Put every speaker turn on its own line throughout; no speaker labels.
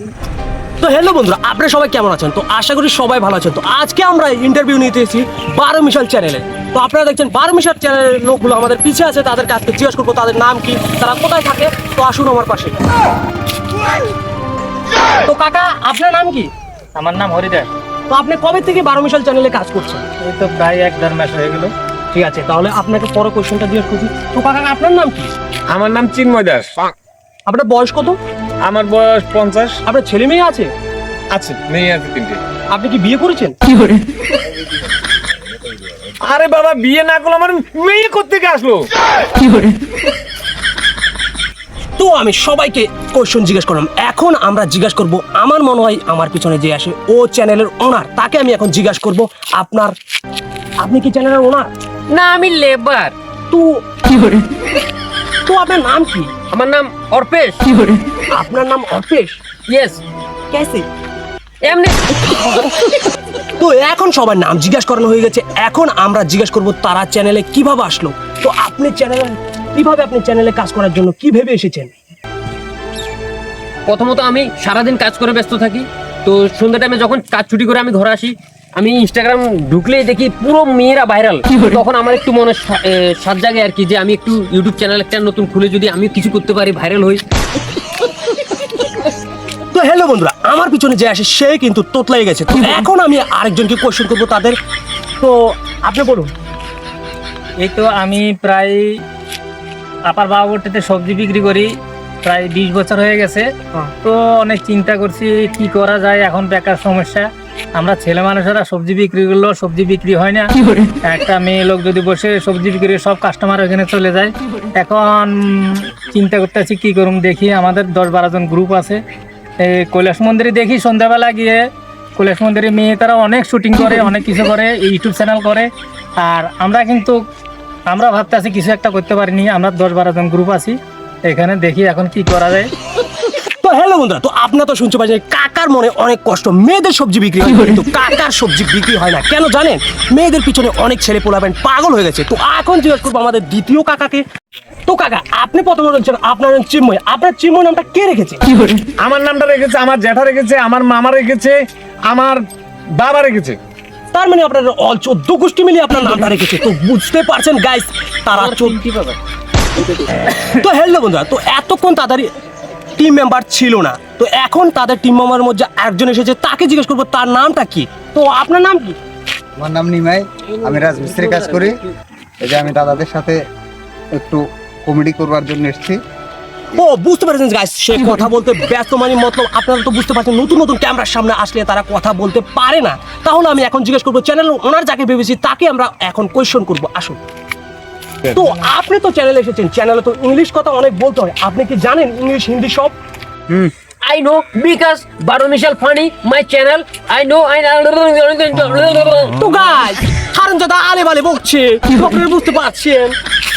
তো হ্যালো বন্ধুরা, আপনারা সবাই কেমন আছেন? তো আশা করি সবাই ভালো আছেন। তো আজকে আমরা ইন্টারভিউ নিতে এসেছি 12 মিশাল চ্যানেলে। তো আপনারা দেখছেন 12 মিশাল চ্যানেলের লোকগুলো আমাদের পিছিয়ে আছে, তাদের কাছে জিজ্ঞেস করবো তাদের নাম কি, তারা কোথায় থাকে। তো আসুন আমার পাশে। তো কাকা, আপনার নাম কি?
আমার নাম হরিদাস।
তো আপনি কবে থেকে 12 মিশাল চ্যানেলে কাজ করছেন?
এই তো প্রায় 1-1.5 মাস হয়ে গেল।
ঠিক আছে, তাহলে আপনাকে পরে কোয়েশ্চেনটা জিজ্ঞেস করছি। তো কাকা, আপনার নাম কি?
আমার নাম চিন্ময় দাস।
আপনার বয়স কত?
আমার বয়স 50।
আপনার ছেলে মেয়ে আছে?
আছে, মেয়ে আছে 3টে।
আপনি কি বিয়ে করেছেন?
আরে বাবা, বিয়ে না করলে আমার মেয়ে কোত্থেকে আসলো?
তো আমি সবাইকে কোশ্চেন জিজ্ঞেস করলাম, এখন আমরা জিজ্ঞাসা করব, আমার মনে হয় আমার পিছনে যে আসে ও চ্যানেলের ওনার, তাকে আমি এখন জিজ্ঞাসা করব আপনি কি চ্যানেলের ওনার?
না, আমি লেবার।
তো তো আপনার নাম কি?
আমার নাম অর্পেশ।
আপনার নাম অর্পেশ?
ইয়েস।
কেসে?
এমনি।
তো এখন সবার নাম জিজ্ঞাসা করানো হয়ে গেছে, এখন আমরা জিজ্ঞাসা করব তারা চ্যানেলে কিভাবে আসলো। তো আপনি চ্যানেলে কাজ করার জন্য কি ভেবে এসেছেন?
প্রথমত আমি সারাদিন কাজ করে ব্যস্ত থাকি। তো সন্ধ্যা টাইমে যখন কাজ ছুটি করে আমি ঘরে আসি, আমি ইনস্টাগ্রাম ঢুকলেই দেখি পুরো মেয়েরা ভাইরাল। তখন আমার একটু মনে সাত জাগে আর কি, যে আমি একটু ইউটিউব চ্যানেল একটা নতুন খুলে যদি আমি কিছু করতে পারি, ভাইরাল হই।
তো হ্যালো বন্ধুরা, আমার পিছনে যে আসে সে কিন্তু তোতলাই গেছে। তো এখন আমি আরেকজনকে কোশ্চেন করবো তাদের। তো আপনি বলুন।
এই তো আমি প্রায় আপার বাবুরটিতে সবজি বিক্রি করি, প্রায় 20 বছর হয়ে গেছে। তো অনেক চিন্তা করছি কি করা যায়, এখন বেকার সমস্যা। আমরা ছেলে মানুষেরা সবজি বিক্রি করলেও সবজি বিক্রি হয় না। একটা মেয়ে লোক যদি বসে সবজি বিক্রি করে সব কাস্টমার ওখানে চলে যায়। এখন চিন্তা করতেছি কি করুম, দেখি আমাদের 10-12 জন গ্রুপ আছে। এই কৈলাস মন্দিরে দেখি সন্ধ্যাবেলা গিয়ে কৈলাস মন্দিরে মেয়ে তারা অনেক শুটিং করে, অনেক কিছু করে, ইউটিউব চ্যানেল করে। আর আমরা ভাবতেছি কিছু একটা করতে পারিনি। আমরা 10-12 জন গ্রুপ আছি এখানে, দেখি এখন কি করা যায়।
তো হ্যালো বন্ধুরা, তো আপনারা তো শুনতে পাচ্ছেন কাকার মনে অনেক কষ্ট, মেয়েদের সবজি বিক্রি হয় কিন্তু কাকার সবজি বিক্রি হয় না। কেন জানেন? মেয়েদের পিছনে অনেক ছেলে পোলাবেন পাগল হয়ে গেছে। তো এখন জিজ্ঞেস করবো আমাদের দ্বিতীয় কাকাকে। তো কাকা, আপনি প্রথমে বলছেন আপনার নাম চিন্ময়। আপনার চিন্ময় নামটা কে রেখেছে?
আমার নামটা রেখেছে আমার জ্যাঠা রেখেছে, আমার মামা রেখেছে, আমার বাবা রেখেছে।
তার মানে আপনার অল 14 গোষ্ঠী মিলিয়ে আপনার নামটা রেখেছে। তো বুঝতে পারছেন গাইস, তারা তো হ্যালো বন্ধুরা, তো এতক্ষণ তাদের টিম মেম্বার ছিল না, তো এখন তাদের টিম মেম্বারের মধ্যে একজন এসেছে, তাকে জিজ্ঞেস করবো তার নামটা কি। তো আপনার নাম কি?
আমার নাম নিমাই, আমি রাজমিস্ত্রি কাজ করি। এই যে আমি দাদাদের সাথে একটু কমেডি করবার জন্য এসেছি।
ও বুঝতে পারছেন গাইস, সে কথা বলতে ব্যস্ত, মানে মতলব আপনারা তো বুঝতে পারছেন নতুন নতুন ক্যামেরার সামনে আসলে তারা কথা বলতে পারে না। তাহলে আমি এখন জিজ্ঞেস করবো চ্যানেল ওনার যাকে ভেবেছি তাকে আমরা এখন কোয়েশ্চন করবো। আসুন। তো আপনি তো চ্যানেলে এসেছেন, চ্যানেলে তো ইংলিশ কথা অনেক বলতে হয়, আপনি কি জানেন ইংলিশ হিন্দি সব?
I know because 12 Mishal funny my channel. I know.
তো গাইস, হারামজাদা আলে বালে বকছে, আপনারা বুঝতে পারছেন?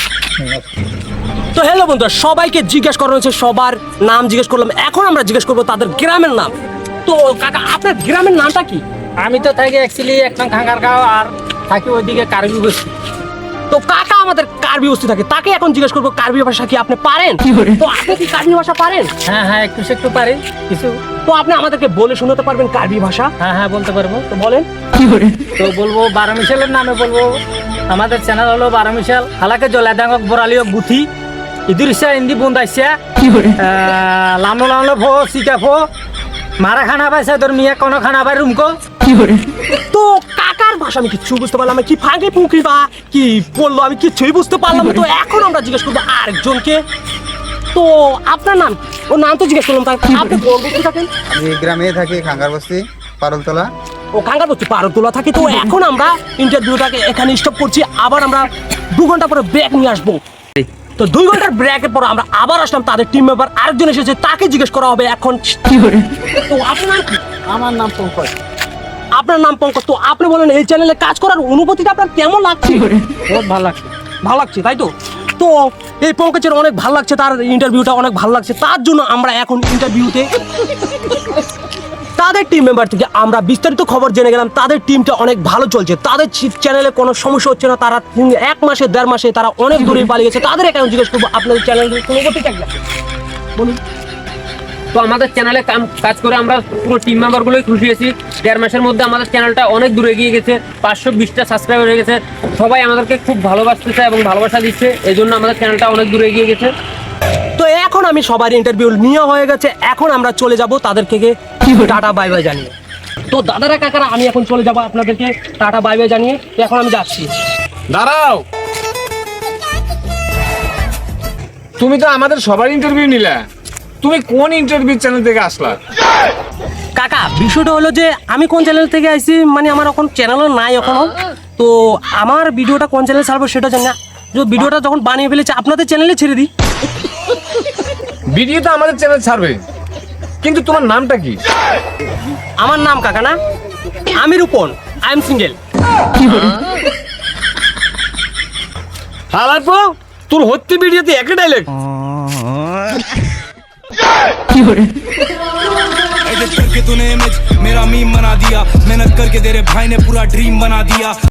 তো হ্যালো বন্ধুরা, সবাইকে জিজ্ঞেস করা হয়েছে, সবার নাম জিজ্ঞেস করলাম, এখন আমরা জিজ্ঞেস করবো তাদের গ্রামের নাম। তো কাকা, আপনার গ্রামের নামটা কি?
আমি তো থাকি অ্যাকচুয়ালি একটা খাঙ্গারগাঁও, আর থাকি ওইদিকে কার্বি বস্তি।
তো কাকা আমাদের কার্বি বস্তি থাকে, তাকে এখন জিজ্ঞেস করবো কার্বি ভাষা কি আপনি পারেন? তো আপনি কি কার্বি ভাষা পারেন?
হ্যাঁ, একটু পারি কিছু।
তো আপনি আমাদেরকে বলে শোনাতে পারবেন কার্বি ভাষা?
হ্যাঁ, বলতে পারবো।
তো বলেন।
তো বলবো 12 মিশালের নামে বলবো। আমাদের চ্যানেল হলো 12 মিশাল। হালাকে জলাদাঙ্গক বরালিও বুথি ইদুরিসা ইন্দি বুন্দাইসা লামলো ফো সিকা ফো মারা খানা পাইছে তোর মিয়া কোন খানা পাই রুমকো।
তো কাকার ভাষা আমি কিছু বুঝতে পারলাম না, কি ফাঁকি ফুঁকি বা কি বললো আমি কিছুই বুঝতে পারলাম না। তো এখন আমরা জিজ্ঞেস করবো আরেকজনকে। তো আপনার নাম? ও নাম তো জিজ্ঞেস করলাম, তাই আপনি কোন বস্তি থাকেন?
আমি গ্রামে থাকি, খাঙ্গার বস্তি, পারলতলা।
ও কাঙ্গার বস্তি পারতোলা থাকি। তো এখন আমরা ইন্টারভিউটাকে এখানে স্টপ করছি, আবার আমরা 2 ঘন্টা পরে ব্রেক নিয়ে আসবো। তো 2 ঘন্টার ব্রেকের পর আমরা আবার আসলাম, তাদের টিম মেম্বার আরেকজন এসেছে, তাকে জিজ্ঞেস করা হবে এখন। তো আপনার নাম কি?
আমার নাম পঙ্কজ।
আপনার নাম পঙ্কজ। তো আপনি বলেন এই চ্যানেলে কাজ করার অনুভূতিটা আপনার কেমন লাগছে?
বহুত ভালো লাগছে।
ভালো লাগছে, তাই তো? তো এই পঙ্কজের অনেক ভালো লাগছে, তার ইন্টারভিউটা অনেক ভালো লাগছে, তার জন্য আমরা এখন ইন্টারভিউতে তাদের টিম মেম্বার থেকে আমরা বিস্তারিত খবর জেনে গেলাম। তাদের টিমটা অনেক ভালো চলছে, তাদের চ্যানেলে কোনো সমস্যা হচ্ছে না, তারা 1 মাসে 1.5 মাসে তারা অনেক দূরে পালিয়ে গেছে। তাদের এখন জিজ্ঞেস করবো আপনাদের চ্যানেলের কোনো গতি থাকবে বলুন। তো
তো আমাদের চ্যানেলে কাজ করে আমরা পুরো টিম মেম্বারগুলোই খুশি আছি। 1.5 মাসের মধ্যে আমাদের চ্যানেলটা অনেক দূরে এগিয়ে গেছে, 520টা সাবস্ক্রাইবার হয়ে গেছে। সবাই আমাদেরকে খুব ভালোবাসতেছে এবং ভালোবাসা দিচ্ছে, এই জন্য আমাদের চ্যানেলটা অনেক দূরে এগিয়ে গেছে।
তো এখন আমি সবার ইন্টারভিউ নিয়ে হয়ে গেছে, এখন আমরা চলে যাব তাদের থেকে টাটা বাই বাই জানিয়ে। তো দাদারা কাকারা আমি এখন চলে যাব আপনাদেরকে টাটা বাই বাই জানিয়ে। তো এখন আমি যাচ্ছি।
দাঁড়াও, তুমি তো আমাদের সবার ইন্টারভিউ নিলা, তুমি কোন ইন্টারভিউ চ্যানেল থেকে আসলা?
কাকা বিষয়টা হলো যে আমি কোন চ্যানেল থেকে আইছি, মানে আমার এখন চ্যানেলও নাই এখনো। তো আমার ভিডিওটা কোন চ্যানেলে ছাড়বো সেটা জানি না। যে ভিডিওটা যখন বানিয়ে ফেলেছে আপনাদের চ্যানেলে ছেড়ে দিই।
ভিডিও তো আমাদের চ্যানেল ছাড়বে, কিন্তু তোমার নামটা কি?
আমার নাম কাকা না, আমি রূপন, আই এম সিঙ্গেল।
হালারপো, তোর হত্যি ভিডিওতে একই ডাইলগ।
एडिट करके तूने इमेज मेरा मीम बना दिया, मेहनत करके तेरे भाई ने पूरा ड्रीम बना दिया।